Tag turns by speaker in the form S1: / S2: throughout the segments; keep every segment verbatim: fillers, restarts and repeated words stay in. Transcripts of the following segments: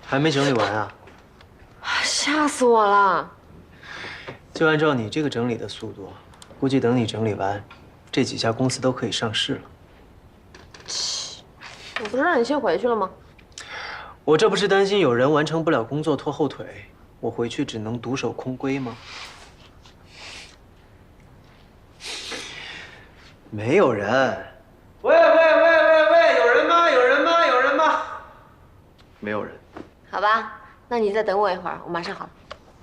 S1: 还没整理完啊？
S2: 吓死我了！
S1: 就按照你这个整理的速度，估计等你整理完，这几家公司都可以上市了。
S2: 切，我不是让你先回去了吗？
S1: 我这不是担心有人完成不了工作拖后腿，我回去只能独守空闺吗？没有人。喂喂喂喂喂，有人吗？有人吗？有人吗？没有人。
S2: 好吧，那你再等我一会儿，我马上好了。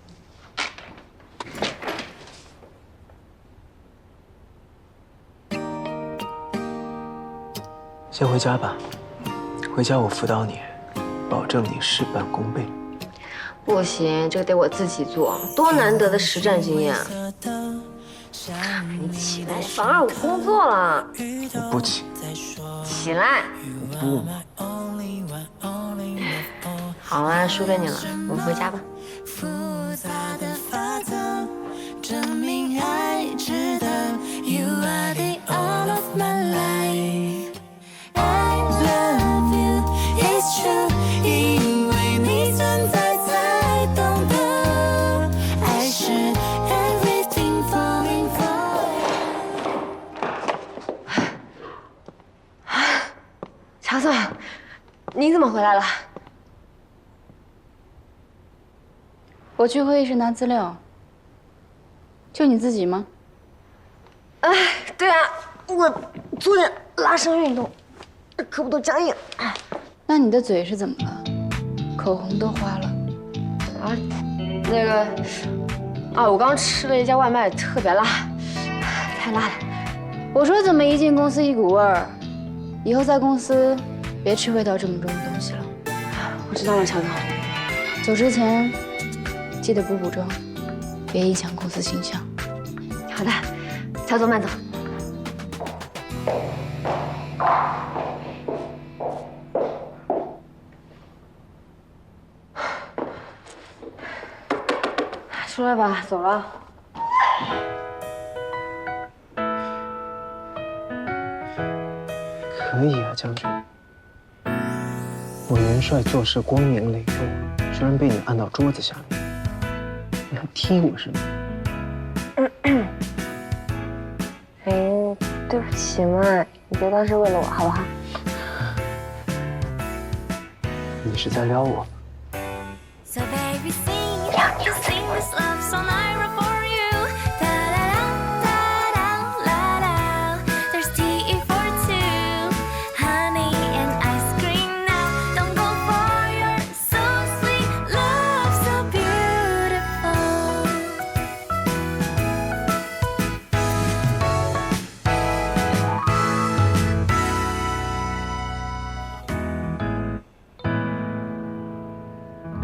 S1: 先回家吧，回家我辅导你，保证你事半功倍。
S2: 不行，这个得我自己做，多难得的实战经验啊！你起来，妨碍我工作了。
S1: 我不起。
S2: 起来。
S1: 我不嘛。
S2: 好啊，输给你了，我们回家吧。
S3: 复杂的法则，证明爱值得。You are the all of my life. I love you, it's true. 因为你存在，才懂得爱是 everything falling for.
S2: 乔总，你怎么回来了？
S4: 我去会议室拿资料，就你自己吗？
S2: 哎，对啊，我昨天拉伸运动，胳膊都僵硬。
S4: 那你的嘴是怎么了？口红都花了。
S2: 啊，那个，啊，我刚吃了一家外卖，特别辣，太辣了。
S4: 我说怎么一进公司一股味儿，以后在公司别吃味道这么重的东西了。
S2: 我知道了，乔总。
S4: 走之前记得补补妆，别影响公司形象。
S2: 好的，乔总慢走。出来吧，走了。
S1: 可以啊，将军。我元帅做事光明磊落，居然被你按到桌子下面，你还踢我是吗？
S2: 哎，对不起嘛，你别当是为了我，好不好？
S1: 你是在撩我？
S3: So baby, sing, sing this love song I wrote for